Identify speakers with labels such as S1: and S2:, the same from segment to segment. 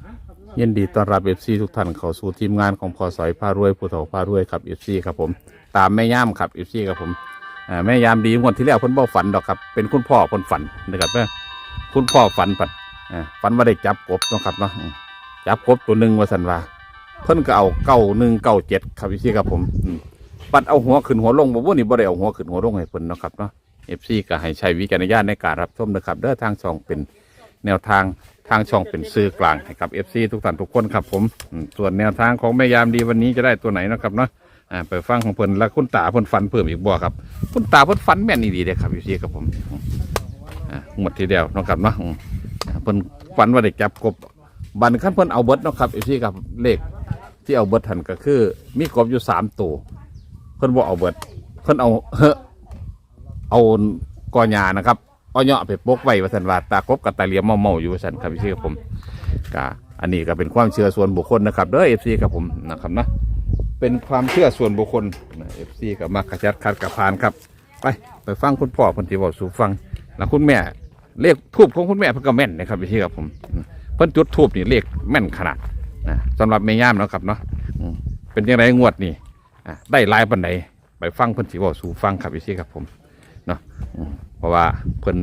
S1: ยินดีต้อนรับเอฟซีทุกท่านเข้าสู่ทีมงานของพอสอยพารวยผู้เฒ่าพารวยครับเอฟซีครับผมตามแม่ย่ามครับเอฟซีครับผมแม่ย่ามดีงวดที่แล้วเพิ่นบ่ฝันดอกครับเป็นคุณพ่อเพิ่นฝันนะครับคุณพ่อฝันฝันว่าได้จับกบเนาะครับเนาะจับกบตัวหนึ่งว่าสันว่าเพิ่นก็เอา9197ครับเอฟซีครับผมปัดเอาหัวขึ้นหัวลงบ่ว่านี่บ่ได้เอาหัวขึ้นหัวลงให้เพิ่นเนาะครับเนาะเอฟซีก็ให้ใช้วิจารณญาณในการรับชมนะครับเด้อทางช่องเป็นแนวทางช่องเป็นสื่อกลางให้กับ FC ทุกท่านทุกคนครับผมส่วนแนวทางของแม่ยามดีวันนี้จะได้ตัวไหนนะครับเนาะไปฟังของเพิ่นแล้วคุณตาเพิ่นฝันเพิ่มอีกบ่ครับคุณตาเพิ่นฝันแม่นดีเลยครับ FC ครับผมหมดทีเดียวนะครับเนาะเพิ่นฝันว่าได้จับกบบันขั้นเพิ่นเอาเบิดนะครับ FC ครับเลขที่เอาเบิดทันก็คือมีกบอยู่3ตัวเพิ่นบ่เอาเบิดเพิ่นเอากอหญ้านะครับเอาเนาะไปปกไว้ว่าสันว่าตากบกับตาเหลียมเมาอยู่ว่าสันครับพี่ผมก็อันนี้ก็เป็นความเชื่อส่วนบุคคลนะครับเด้อเอฟซีกับผมนะครับนะเป็นความเชื่อส่วนบุคคลเอฟซีกับมักกระจัดคัดกระพานครับไปฟังคุณพ่อคนที่บอกสู่ฟังแล้วคุณแม่เลขทูบของคุณแม่เพิ่นก็แม่นนะครับพี่กับผมเพิ่นจุดทูบนี่เลขแม่นขนาดนะสำหรับแม่ย่ามนะครับเนาะเป็นยังไงงวดนี่ได้หลายปานใดไปฟังเพิ่นสิบอกสู่ฟังครับพี่กับผมเนาะเพราะว่าเพิ่น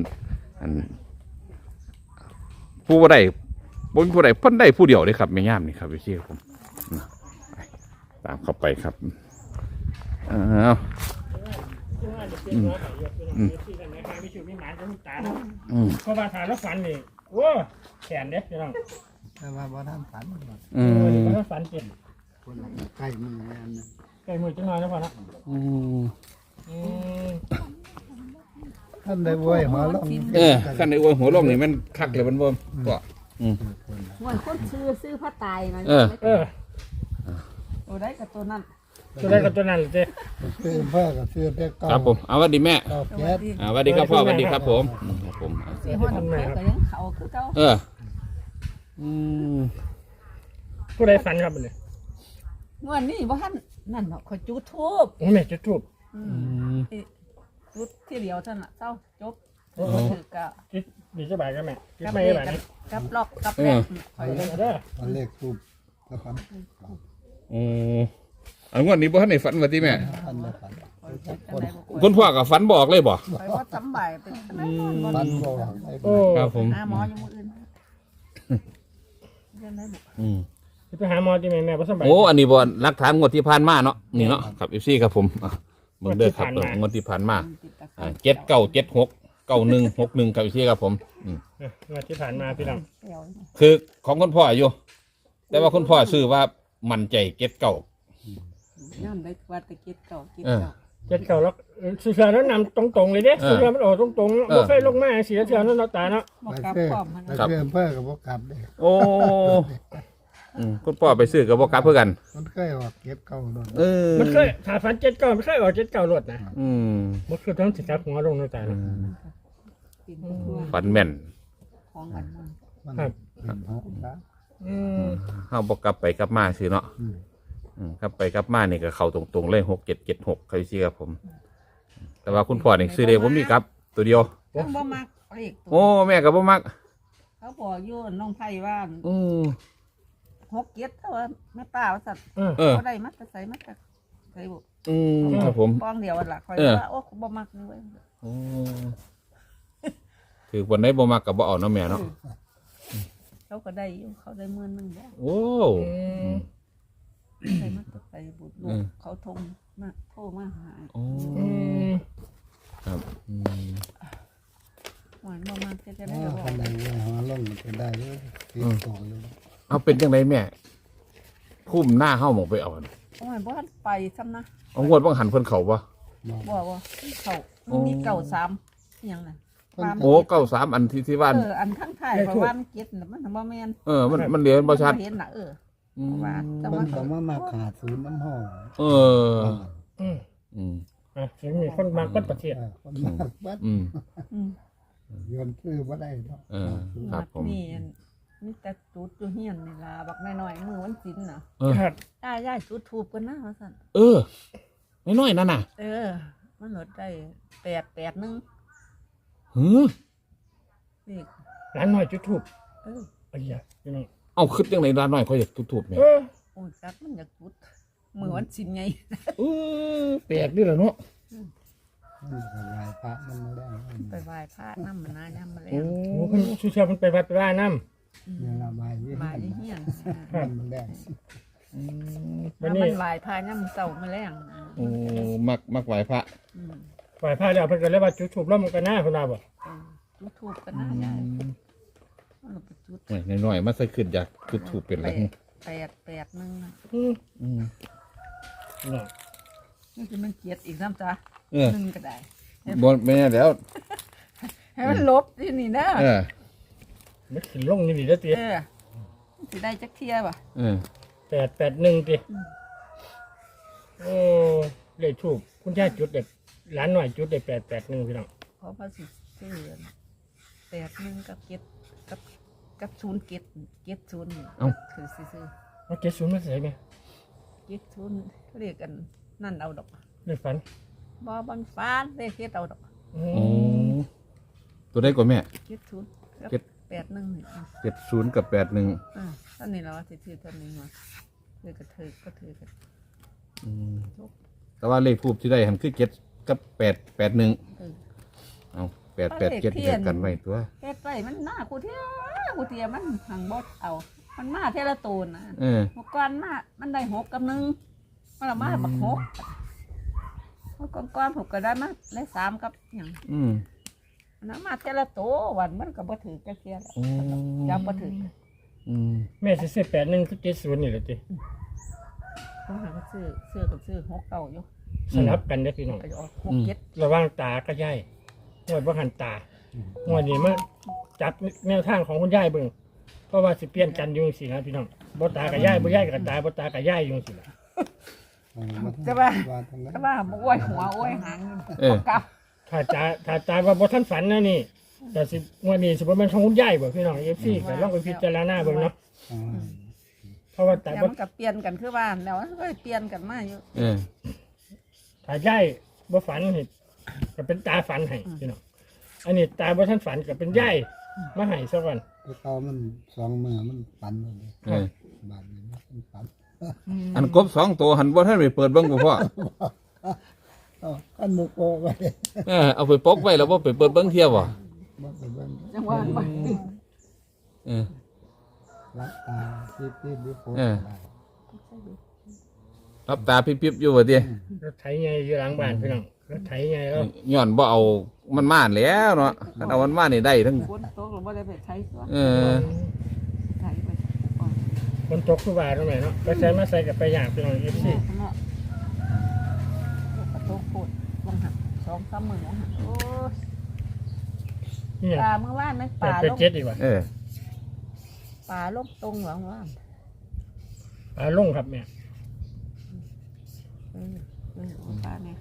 S1: ผู้ใดบนผู้ใดเพิ่นได้ผู้เดียวเลยครับไม่ย่ามนี่ครับพี่เชี่ยผมตามเข้าไปครับ
S2: เพราะว่าฐานแล้วฝันนี่โอ้แขนเด็กพี่น้อง
S3: แต่ว่าบ่ท่านฝันบ่
S2: ถ้าฝันเจ็บ
S3: ใกล้มือแม่น
S2: ใกล้มือจังหน่อยแล้วพอละ
S3: ท่านได้บวยหัวลง
S1: ขั้นในอวยหัวลงนี่มันคักเลยมันบ่ก็
S4: หวยคนซื้อพระตายมาตัวได้กับตัวนั้น
S2: เจ๊
S3: ซื้อเพื่อกับซื้อเด็กเก่า
S1: ครับผมเอาวัสดีแม่สวัสดีครับพ่อสวัสดีครับผม
S4: ซื้อหัวหน้าก็ยังเขาคือเขา
S2: ผู้ใดฝันครับเนี่ย
S4: งวดนี้ว่าท่านนั่นเนาะขอจุดทูบ
S2: โอ้แม่จุดทูบ
S4: จุดที่เดียวท่านละเจ้าจบถือกะ
S2: ดีสบายกันแม่
S4: กับไม่แบบกับล็อกกับแรก
S3: คอยเด้อเลขทูบกับฝัน
S1: อันงวดนี้บ่ทันได้ฝันว่าติแม่
S3: ท่านได้ฝัน
S1: คุณพ่อก็ฝันบอกเลยบ่
S4: ไปว่าจำบ่ายเป็น
S3: ฝันบ่
S1: ครับผม
S4: หมอยังมืออื่นเรื่องไหนบุ
S2: ไปหาหมอที่แม่บ่สบาย
S1: โอ้อันนี้บ่หลักฐานงวดที่ผ่านมาเนาะนี่เนาะครับ FC ครับผมเบิ่งเด้อครับงวดที่ผ่านมา79769161ครับ FC ครับผม
S2: งวดที่ผ่านมาพี่น้อง
S1: คือของคุณพ่ออยู่แต่ว่าคุณพ่อซื้อว่ามั่นใจ
S4: ย่ำได้วัดตะเกียบเก่า
S2: แล้วเสือแล้วนำตรงๆเลยเด้เสือมันออกตรงๆบ่เคยลงมาเสือนั้นเราตาเนาะ
S4: บ่กลับพร้อมมัน
S3: ครับเพื่อกับบ่กลับเด้
S1: โอ้คุณพ่อไปซื้อกับบ่กลับเพื่อกัน
S3: มันเคยออกเก็บเก่าโดน
S2: มันเคยถ้าฝัน79มันเคยออก79รถนะบ่คือต้องสิจับหัวลงเราตาเนาะ
S1: ฝันแม่น
S4: ของมัน
S2: ครับ
S1: เฮาบ่กลับไปกลับมาซื่อเนาะกลับไปกลับมานี่ก็เข้าตรงๆเลย6776ครับพี่ครับผมแต่ว่าคุณพ่อนี่ซื้อได้บ่มีกลับตัวเดียว
S4: บ่มักเลข
S1: โอ้แม่ก็บ่มัก
S4: เขาบอกอยู่น้องไผว่า67เท่าแม่ป้าว่าซั่นบ่ได้มักใส่มักใส่บ่
S1: ครับผม
S4: ป้องเดียวล่ะค่อยว่าโอ้บ่มักนี่เว้ย
S1: คือวันไหนบ่มักก็บ่เอาเนาะแม่เนาะ
S4: เขาก็ได้อยู่เขาได้10,000นึงแล้ว
S1: โอ้
S4: ใส่มักใส่บุตรลูกเขาโทรมาหา
S1: ครับ
S4: หวานบ่มักจะได้
S3: บ่คนไหนหัวลงมันได้เลยติดต่ออยู่
S1: เอาเป็นจังไดแม่พุ่มหน้าเฮาหมองไปเอา
S4: โอ้ยบ่ทันไปซ้ำนะ
S1: เอางวดบ่หันเพิ่นเข้าบ่
S4: เขามี93อีหยังน่ะ
S1: โอ้93อันที่บ้าน
S4: อันทั้งท้ายเพราะว่ามันเก็บมันบ่แม่น
S1: มันเหลือบ่ชัด
S4: เห็นน่ะ
S3: ว่าแต่ว่าก็มาขาดศูนย์น้ำห้อง
S2: มีคนมากบัดประเทศ
S3: คนมากบัดย้อนซื้อบ่ได้เนาะ
S1: ครับผม
S4: นี่แต่จุดอยู่เฮียนนี่ล่ะบักน้อยๆมือวันศีลน่ะย่าจุดทูบกันนะว่าซั่น
S1: น้อยๆนั่นน่ะ
S4: มันลดได้881
S1: หือ
S4: นี่
S2: ร้านน้อยจุดทูบไอ้ยะพี่น้อง
S1: เอาขึ้นจังไหนร้านน้อยเขาอยากถูกๆเนี่ย
S4: โอ้จักมันอยากจุดมือวันสินไง
S2: แปลกด้วยเหรอเนาะ
S3: มันก็ลายพระมันไม่ได้
S4: ไปไหว้พระน้ำมันน้ำมาแล้
S2: โอ้
S4: ว
S2: เพิ่นสุเชียมันไปวัดไปว่าน้ำ
S3: เนี่ยละใบที่
S4: มาที่เฮียน
S3: มันแดง
S2: วัน
S4: น้ำ
S2: นี้
S4: มันไหว้พระน้ำเสามาแล้ว
S1: โอ้มักไหวพระ
S2: ไหว้พระแล้วเพิ่นก็เลยว่าจุดธูปแล้วมันก็น่าเพิ่นว่าบ่
S4: จุดทูบกันนะยายมันไปจุด
S1: หน่อยๆมาใส่ขึ้นอยากจุดถูกเป็นอะไร
S4: 8 1
S2: อืม
S1: อืม
S2: เนาะ
S4: นี่คือมันเกียดอีกน้ำจ้า
S1: เออ
S4: หนึ่งก็ได้
S1: บนแม่แล้ว
S4: ให้มันลบที่นี่นะ
S1: เออ
S2: มันขึ้นลงนี่นี่เด้อติ
S4: สิได้จักเทียบ่
S1: เออ
S2: 881ติโอ้เลขทูปคุณยายจุดเด็ดหลานหน่อยจุดได้881พี่น้อง
S4: เพราะว่าสิซื้อ8 1กับกับ0เก็ด0คือซื้อ
S2: เอา70มาใส่แม่
S4: เก็ด0เรียกกันนั่นเอาดอก
S2: เลขฝัน
S4: บ่บันฟ้านเรียกเฮ็ดเอาดอก
S2: อื
S1: โอ้
S2: ม
S1: ตัวได้กว่าแม่
S4: เก็ด0กับ
S1: เก็ด
S4: 8 1นี่
S1: 70กับ81
S4: ท่านนี้เราสิถือท่านนี้มาถือก็ถือก็ถือกัน
S1: อืมแต่ว่าเลขทูบที่ได้หันคือ7กับ881
S4: เออ
S1: เอา887เดียวกันไว้ตัว
S4: เฮ็ดไว้มันหน้ากูเทียมันหังบดเอา มันมาเทละตูนนะ
S1: เออ
S4: เมื่อก่อนมามันได้6กับ1มันละมาบัก6เมื่อก่อนผมก็ได้มาได้3กับหยัง
S1: อืม
S4: มันมาเทละโตวันมันก็บ่ถือจักเทียแล้ว
S1: โอ้
S4: จำบ่ถือ
S1: อืม
S2: แม่สิซื้อ81คือ70นี่แหละติ
S4: ผมหาซื้อกับซื้อ6เก่าอยู่
S2: สลับกันเด้อพี่น้อง
S4: ก็จะออก6 7
S2: ระหว่างตากับยายงวดบ่หันตางวดนี้มาจับแนวทางของคุณยายเบิ่งเพราะว่าสิเปลี่ยนกันอยู่สินะพี่น้องบ่ตากับยายบ่ยายกับตาบ่ตากับยายอยู่สิล่ะ
S4: จะว่า
S3: ทางนั้น
S4: ก็ว่าบ่อ้วยหัวอ้วยหาง
S1: เออ
S4: กับ
S2: ถ้าตาว่าบ่ทันฝันนะนี่แต่สิงวดนี้สิบ่แม่นของคุณยายบ่พี่น้อง FC ก็ลองไปพิจารณาเบิ่งเนาะเพราะว่าตา
S4: แต่
S2: บ่
S4: มันก็เปลี่ยนกันคือว่าแล้วมันก็เปลี่ยนกันมาอยู่
S1: เออ
S2: ถ้ายายบ่ฝันนี่ก็เป็นตาฝันให้พี่น้องอันนี้ตาบ่ทันฝันก็เป็นยายมาให้ซะก่อน
S3: เตามัน2มือมันปั่นเลย
S1: เออ
S3: บาดนี้มันปั่น
S1: อันกบ2ตัวหันบ่ทันไปเปิดเบิ่งบ่พ่อ
S3: อันมุกโกไว้
S1: เออเอาไปปกไว้แล้วบ่ไปเปิดเบิ่งเที่ยวบ่
S3: บ่ไปเบิ่ง
S4: จังหวะมัน
S1: เออ
S3: รับตาที่ดิโพ
S1: เออ รับตาปิ๊บๆอยู่ว่าติ
S2: รถไถใหญ่อยู่หลังบ้านพี่น้องรถไถใหญ่แล้ว
S1: ย้อนบ่เอามันมาแล้วเนาะคันเอามันมานี่ได้ทั้ง
S4: ฝนตกหรือว่าได้ไปใช้ตัว
S1: เออ
S4: ใช้ไปก่อน
S2: คนตกคือว่าตรงไหนเนาะไปใส่มาใส่กับไปอย่างพี่น้อง FC
S4: ข้างนอกกระโตกโคตรวงหัก2-3 มื้อวงหักโอ้ย
S2: นี่หยัง
S4: ปลาเมื่อวานนั้นปลาลง
S2: 887อีกว่า
S1: เออ
S4: ปลาลงตรงหวังว่า
S2: ลงครับแม่
S4: ปลาเนี่ย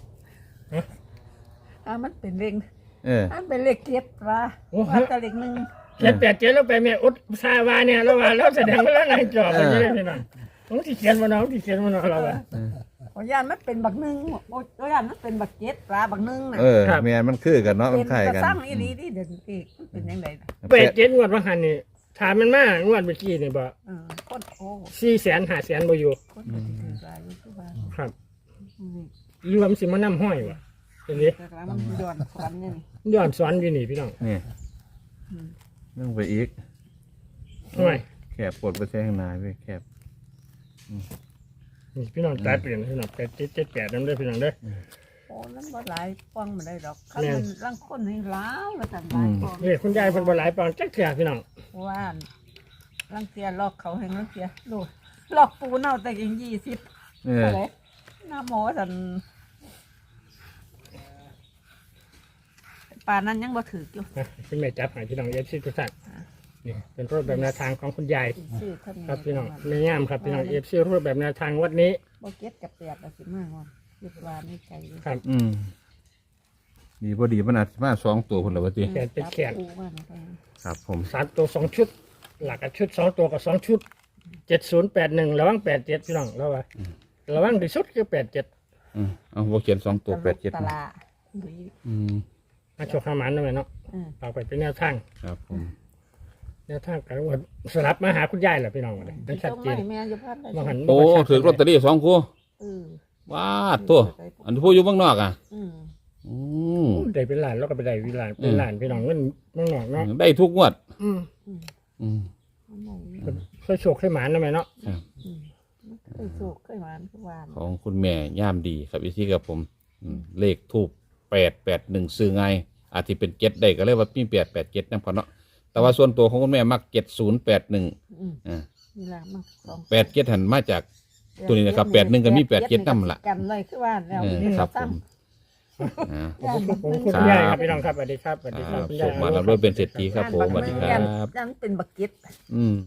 S4: มันเป็นเลข
S1: เออ
S4: มันเป็นเลขเจ็ดปลาว่าแต่เลขหนึ่ง
S2: 787แล้วไปแม่อุดซาวาเนี่ยแล้วว่าเราแสดงว่าเรานายจอบไปนี่พี่น้องต้องสิเขียนบ่น้องที่เขียนบ่น้องเราว่า
S4: ขอยานมันเป็นบักหนึ่งขอยานมันเป็นบักเจ็ดปลาบักหนึ่งน่ะ
S1: เออแม่นมันคือกันเนาะ
S4: เป็
S1: มัน นคล้าย
S4: กระ
S1: กัน
S4: ซังอีนีที่เดินอีกมันเป็นยังไงน่ะ
S2: 87งวดว่าหันนี่ถามมันมางวดเมื่อกี้นี่บ่
S4: คนโอ้
S2: 400,000 500,000บ่อยู่
S4: คนก็สิถือปลาอยู่ที่บ้าน
S2: ครับรวมสิมานํห้อยว่ะเห็นดิ
S4: แต่ละมันย้อนควันเนี่ยนี่
S2: ย้อนสอนอยู่นี่พี่น้อง
S1: นี่เรื่องไปอีก
S2: ห้อย
S1: แคบปวดไปแท่งนายเว้ยแคบ
S2: นี่พี่น้องตายเปลี่ยนพี่น้อง8778นำเด้อพี่น้องเด้อ
S4: โอ้นั้นบ่หลายป้องมาได้ดอกคันมันร่างคนให้ล้าวแล้วแต่หลายป้อง
S2: นี่คุณยายเพิ่นบ่หลายปอนจักเทื่อพี่น้อง
S4: ว่าร่างเตียลอกเขาให้ร่างเตียลูกลอกปูเน่าแต่ยัง20
S1: เออ
S4: อะไรหน้าหมอสันป่านนั้นยังบ่ถืออยู่
S2: นะคุณแม่จับให้พี่น้องFCทุกท่านนี่เป็นรูปแบบแนวทางของคุณยาย
S4: ซื้อเท่านี้
S2: ครับพี่น้องในงามครับพี่น้อง FC รูปแบบแนวทางวัดนี้
S4: บ่เก็ตกับแปดเอาสิมากว่าคิดว่าในใจอยู่
S2: ครับ
S1: ดีพอดีมันอาจจะมา2ตัวคนละวะติ
S2: แขนเป็นแขน
S4: จับปูว่าไป
S1: ครับผม
S2: 3ตัว2ชุด หลักกับชุด2ตัวกับ2ชุด7081ระวัง87พี่น้องแล้วว่าระวังที่สุดคือ87
S1: เอาบ่เขียน2ตัว
S4: ต
S1: 87
S4: ลาด
S1: อืม
S2: มาโชคหาหมันนั่นแหละเนาะ
S4: อืม
S2: เอาไปเป็นแนวทาง
S1: ครับผม
S2: แนวทางการว่าสลับมาหาคุณยายแหละพี่น้องวันนี้มันชัดเจน
S4: แม่อยู่พันได้
S2: ว่าหัน
S1: โอ้ถือลอตเตอรี่2คู่
S4: เออ
S1: ว้าตัวอันที่ผู้อยู่เมืองนอกอ่ะ
S4: อืม
S1: อืม
S2: ได้เป็นล้านแล้วก็ไปได้เป็นล้านพี่น้องเงินเมืองนอกเนาะ
S1: ได้ทุกงวด
S2: อืม
S1: อืม
S4: อันไหน
S2: เคยโชคเคยหมานนะแม่เนาะ
S1: ครับ
S4: เคยโศกเคยหวานทุกวัน
S1: ของคุณแม่ย่ามดีครับอีที่กับผมเลขทูบ881ซื้อไงอาจจะเป็น7ได้ก็เลยว่ามี887นำพอเนาะแต่ว่าส่วนตัวของคุณแม่มัก7081
S4: อืม
S1: อ่า
S4: นี่ละมันสอง
S1: 87หันมาจาก ตัวนี้นะครับ81ก็มี87นำล่ะ
S4: กันเลยคือว่าแล้ว
S1: ครับผมอ่า
S2: ผมคุณยายครับพี่น้องครับสวัสดีครับสวัสดีครับคุณ
S1: ส่
S2: ยาย
S1: งมาแล้วด้วยเป็นเศรษฐีครับผมสวัสดีครับ
S4: ยังเป็นบักเก็ต
S1: อืม